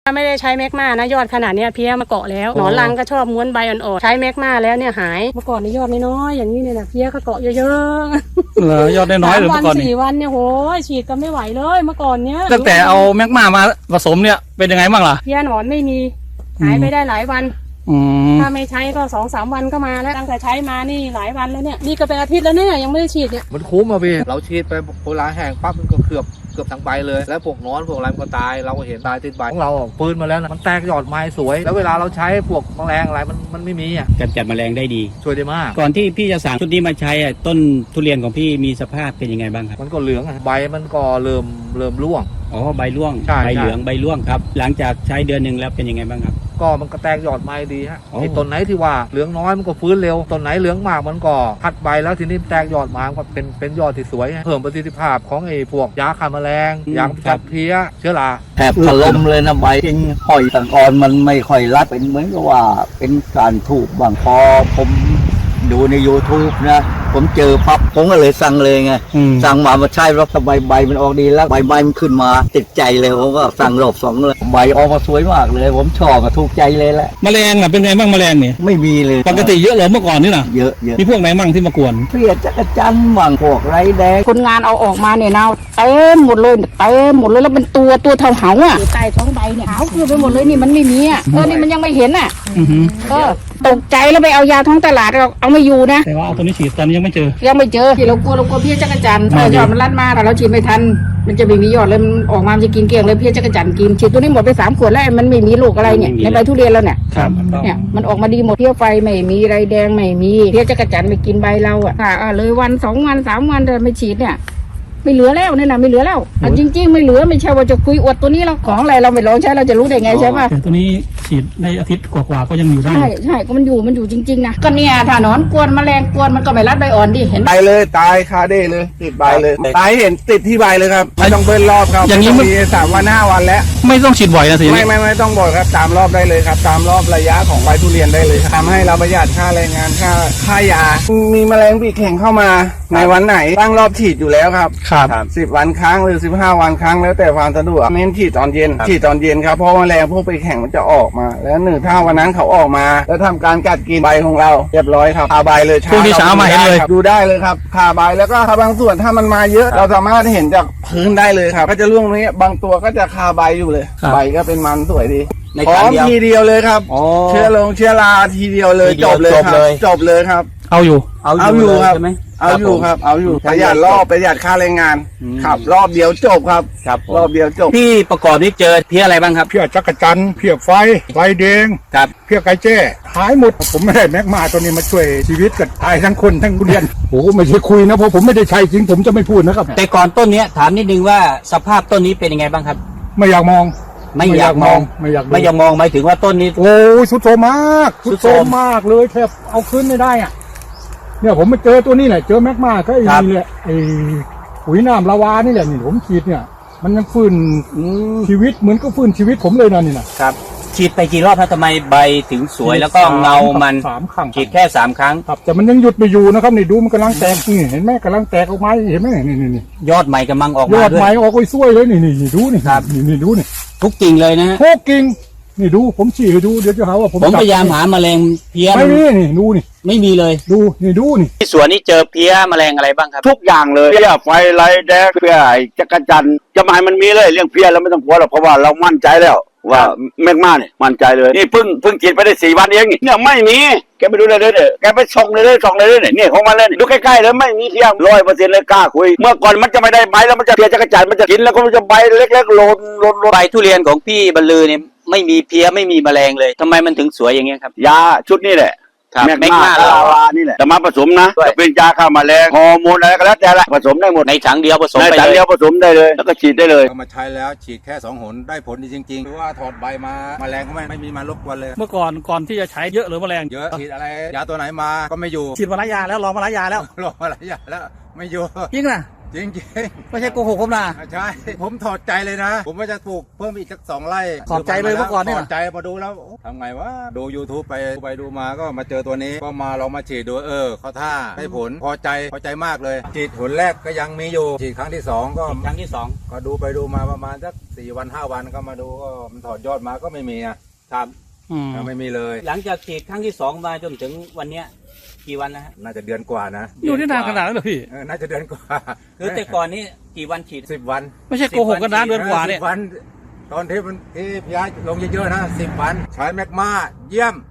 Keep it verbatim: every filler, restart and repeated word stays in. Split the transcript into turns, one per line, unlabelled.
ถ้าไม่ได้ใช้แมกมานะยอดขนาดนี้เพี้ยมาเกาะแล้วหนอนรังก็ชอบม้วนใบอ่อนๆใช้แมกมาแล้วเนี่ยหายเมื่อก่อนในยอดน้อยๆอย่างนี้เนี่ยนะเพี้ยก็เกาะเยอะๆ
เหรอยอดน้อยๆหรือเมื่อก่อน
สี่วันเนี่ยโหฉีดก็ไม่ไหวเลยเมื่อก่อนเนี้ย
ตั้งแต่เอาแมกมามาผสมเนี่ยเป็นยังไงบ้างล่ะ
เพี้ยหนอนไม่มีหายไปได้หลายวันถ้าไม่ใช้ก็สองสามวันก็มาแล้วตั้งแต่ใช้มานี่หลายวันแล้วเนี่ยนี่ก็เป็นอาทิตย์แล้วเนี่ยยังไม่ได้ฉีดเนี่ย
มันคุ้มอ่ะพี่เราฉีดไปโบราณแห้งปั๊บมันก็เกือบเกือบทั้งใบเลยแล้วพวกนอนพวกอะไรมันก็ตายเราก็เห็นตายติดใบของเราปืนมาแล้วนะมันแตกยอดไม้สวยแล้วเวลาเราใช้พวกแมลงอะไรมันมันไม่มีอ่ะ
กำจัดแมลงได้ดี
ช่วยได้มาก
ก่อนที่พี่จะสั่งชุดนี้มาใช้ต้นทุเรียนของพี่มีสภาพเป็นยังไงบ้างครับ
มันก็เหลืองใบมันก็เริ่มเริ่มร่วง
อ๋อใบร่วงใบเหลืองใบร่วงครับหลังจากใช้เดือนหนึ่งแล้วเป็นยังไงบ้างครับ
ก็มันก็แตกยอดไม้ดีฮะไอ้ต้นไหนที่ว่าเหลืองน้อยมันก็ฟื้นเร็วต้นไหนเหลืองมากมันก็พัดใบแล้วทีนี้แตกยอดมาก็เป็นเป็นยอดที่สวยเพิ่มประสิทธิภาพของไอ้พวกยาฆ่าแมลงยาจับเพี้ยเชื้อรา
แทบถล่มเลยนะใบจริงหอยต่างอ่อนมันไม่ค่อยรัดเป็นเหมือนกับว่าเป็นการถูกบางพอผมดูใน ยูทูบ นะผมเจอปั๊บผมก็เลยสั่งเลยไงสั่งมามาใช้แล้วใบใบมันออกดีแล้วใบใบมันขึ้นมาติดใจเลยผมก็สั่งรอบสองเลยใบออกมาสวยมากเลยผมชอบมาถูกใจเลยแหละ
แมลงอ่ะเป็นไงบ้างแมลงเนี่ย
ไม่มีเลย
ปกติเยอะเหรอเมื่อก่อนนี่นะ
เยอะเยอะ
มีพวกไหนบ้างที่มากวน
เพี้ยจักรจันทร์มั่งพวกไรแดง
คนงานเอาออกมาเนี่ยนะเต็มหมดเลยเต็มหมดเลยแล้วเป็นตัวตัวเท่าเหาอ่ะใต้ท้องใบเนี่ยขาวคือไปหมดเลยนี่มันไม่มีอ่ะเออนี่มันยังไม่เห็นอ่ะก็ตกใจแล้วไปเอายาท้องตลาดเราเอาไม่อยู่นะ
แต่ว่าเอาตัวนี้ฉีดตอนนี้ยังไม่เจอ
ยังไม่เจอที่เรากลัวเรากลัวเพี้ยจักรจันทร์ยอดมันรัดมาแต่เราฉีดไม่ทันมันจะไม่มียอดเลยมันออกมามันจะกินเกลี้ยงเลยเพี้ยจักรจันทร์กินฉีดตัวนี้หมดไปสามขวดแล้วมันไม่มีลูกอะไรเนี่ยในใบทุเรียนแล้วเนี่ยเนี่ยมันออกมาดีหมดเพี้ยไฟไม่มีไรแดงไม่มีเพี้ยจักรจันทร์ไม่กินใบเราอ่ะเลยวันสองวันสามวันแต่ไม่ฉีดเนี่ยไม่เหลือแล้วนี่นะไม่เหลือแล้วจริงๆไม่เหลือไม่ใช่ว่าจะคุยอวดตัวนี้เราของอะไรเราไม่ลองใช้เราจะรู้ได้ไงใช่ป่ะ
แต่ตัวนี้ฉีดในอาทิตย์กว่าๆก็ยังอยู่ได้
ใช่ใช่ก็มันอยู่มันอยู่จริงๆนะก็เนี่ยถ้าหนอนกวนแมลงกวนมันก็ไม่รัดใบอ่อนดิเห็น
ไปเลยตายคาเด้เลยติดใบเลยตายเห็นติดที่ใบเลยครับไม่ต้องเบิ้ลรอบครับอย่างนี้มีสามวันห้าวันแล้ว
ไม่ต้องฉีดบ่อยนะสิ
ไม่ไม่ไม่ต้องบ่อยครับตามรอบได้เลยครับตามรอบระยะของใบทุเรียนได้เลยทำให้เราประหยัดค่าแรงงานค่าค่ายามีแมลงปีกแข็งเข้ามาในวันไหนตั้งรอบฉีดอยู่แล้วครับ
ครับ
สิบวันครั้งหรือสิบห้าวันครั้งแล้วแต่ความสะดวกเน้นฉีดตอนเย็นฉีดตอนเย็นครับเพราะแมลงพวกปีกแข็งมันจะออกมาแล้วหนึ่งถ้าวันนั้นเขาออกมาแล้วทำการกัดกินใบของเราเรียบร้อยครับคาใบเลย
พวกนี้เช้ามาเห็นเลย
ดูได้เลยครับคาใบแล้วก็คาบางส่วนถ้ามันมาเยอะเราสามารถเห็นจากพื้นได้เลยครับก็จะร่วงนี้บางตัวก็จะคาใบอยู่เลยใบก็เป็นมันสวยดีพร้อมทีเดียวเลยครับเชื้อลงเชื้อราทีเดียวเลยจบเลยครับจบเลยครับ
เอาอยู่
เอา
อยู่ครับ
ใช่ไหม
เอาอยู่ครับเอาอยู่ประหยัดรอบประหยัดค่าแรงงานครับรอบเดียวจบครับ
ครับ
รอบเดียวจบ
พี่ประกอบนี่เจอเพี้ยอะไรบ้างครับ
เพี้ยจักรจันทร์เพี้ยไฟไฟแดง
ครับ
เพี้ยไก่แจ้หายหมดผมไม่ได้แมกมาตัวนี้มาช่วยชีวิตกันตายทั้งคนทั้งทุเรียนโอ้ไม่ใช่คุยนะเพราะผมไม่ได้ใช้จริงผมจะไม่พูดนะครับ
แต่ก่อนต้นนี้ถามนิดนึงว่าสภาพต้นนี้เป็นยังไงบ้างครับ
ไม่อยากมอง
ไม่อยากมอง
ไม่อยาก
ไม่อยากมองหมายถึงว่าต้นนี้
โอ้ยสุดโทมมากสุดโทมมากเลยแทบเอาขึ้นไม่ได้อ่ะเนี่ยผมมาเจอตัวนี้แหละเจอแมกมาก็ไอ้นี่แหละไอ้ปุ๋ยน้ำลาวานี่แหละนี่ผมฉีดเนี่ยมันยังฟื้นชีวิตเหมือนก็ฟื้นชีวิตผมเลยนะนี่นะครับ
ฉีดไปกี่รอบครับทำไมใบถึงสวยแล้วก็เงามัน
สามครั้ง
ฉีดแค่สามครั้ง
ครับแต่มันยังหยุดไม่อยู่นะครับนี่ดูมันกำลังแตกนี่เห็นไหมกำลังแตกออกมาเห็นไหมนี่นี่นี่
ยอดใหม่กำลังออกมาย
อดใหม่ออกไปสวยเลยนี่นี่ดูนี่ครับนี่นี่ดูนี่
ทุกกิ่งเลยนะ
ทุกกิ่งนี่ดูผมฉีดให้ดูเดี๋ยวจะหาว่าผม
ผมพยายามหาแมลงเพี้ย
ไม่มีนี่ดูนี่
ไม่มีเลย
ดูนี่ดูนี่
ที่สวนนี้เจอเพี้ยแมลงอะไรบ้างครับ
ทุกอย่างเลยเพี้ยไฟไรแดงเพี้ยไอ้จักรจันทร์จะมาให้มันมีเลยเรื่องเพี้ยเราไม่ต้องกลัวหรอกเพราะว่าเรามั่นใจแล้วว่าแมกมาเนี่ยมั่นใจเลยนี่เพิ่งเพิ่งกินไปได้สี่วันเองเนี่ยไม่มีแกไปดูเลยเลยเนี่ยแกไปส่องเลยเลยส่องเลยเลยเนี่ยของมันเลยดูใกล้ๆแล้วไม่มีเพี้ยร้อยเปอร์เซ็นต์เลยกล้าคุยเมื่อก่อนมันจะไม่ได้ใบแล้วมันจะเพี้ยจักรจันทร์มันจะกินแล้วก็มันจะใบเล็กๆโลนโลน
ใบทุเรียนของพี่บรรลือเนี่ยไม่มีเพี้ยไม่มีแมลงเลยทำไมมันถึงสวยอย่างเงี้ยครับ
ยาชุดนี้แหละแมกมาลาวานี่แหละแต่มาผสมนะจะเป็นยาฆ่าแมลงฮอร์โมนอะไรก็แล้วแต่ละผสมได้หมด
ในถังเดียวผสม
ในถังเดียวผสมได้เลยแล้วก็ฉีดได้เลย
เอามาใช้แล้วฉีดแค่สองหนได้ผลดีจริงๆเพราะว่าถอดใบมาแมลงก็ไม่ไม่มีมารบกวนเลย
เมื่อก่อนก่อนที่จะใช้เยอะหรือแมลง
เยอะฉีดอะไรยาตัวไหนมาก็ไม่อยู่
ฉีดมาหลายยาแล้วลองมาหลายยาแล้ว
ลองมาหลายยาแล้วไม่อยู่
จริงนะ
จริงจริง
ไม่ใช่โกหกผมนะ
ใช่ ผมถอดใจเลยนะ ผมว่าจะปลูกเพิ่มอีกสักสองไร่
ถอดใจเลยเมื่อก่อนเนี่ย
ถอดใจพอดูแล้วโอ้ทำไงวะดู YouTube ไปดูไปดูมาก็มาเจอตัวนี้ก็มาเรามาฉีดดูเออเขาท่าให้ผลพอใจพอใจมากเลยฉีดผลแรกก็ยังมีอยู่ฉีดครั้งที่สองก็
ครั้งที่สอง
ก็ดูไปดูมาประมาณสักสี่วันห้าวันก็มาดูก็มันถอดยอดมาก็ไม่มีอ่ะ
ครับ
อืม
ไม่มีเลย
หลังจากฉีดครั้งที่สองมาจนถึงวันเนี้ยกี่วันนะฮะ
น่าจะเดือนกว่านะ
อยู่ที่นานขนาดนั้นเหรอพี่
เออน่าจะเดือนกว่า
คือแต่ก่อนนี้กี่วันฉีด
สิบวัน
ไม่ใช่โกหกกันนะเดือนกว่าเนี่ย
สิบวัน ตอนที่มันที่พี่ย้ายลงเยอะๆนะสิบวันใช้แมกมาเยี่ยม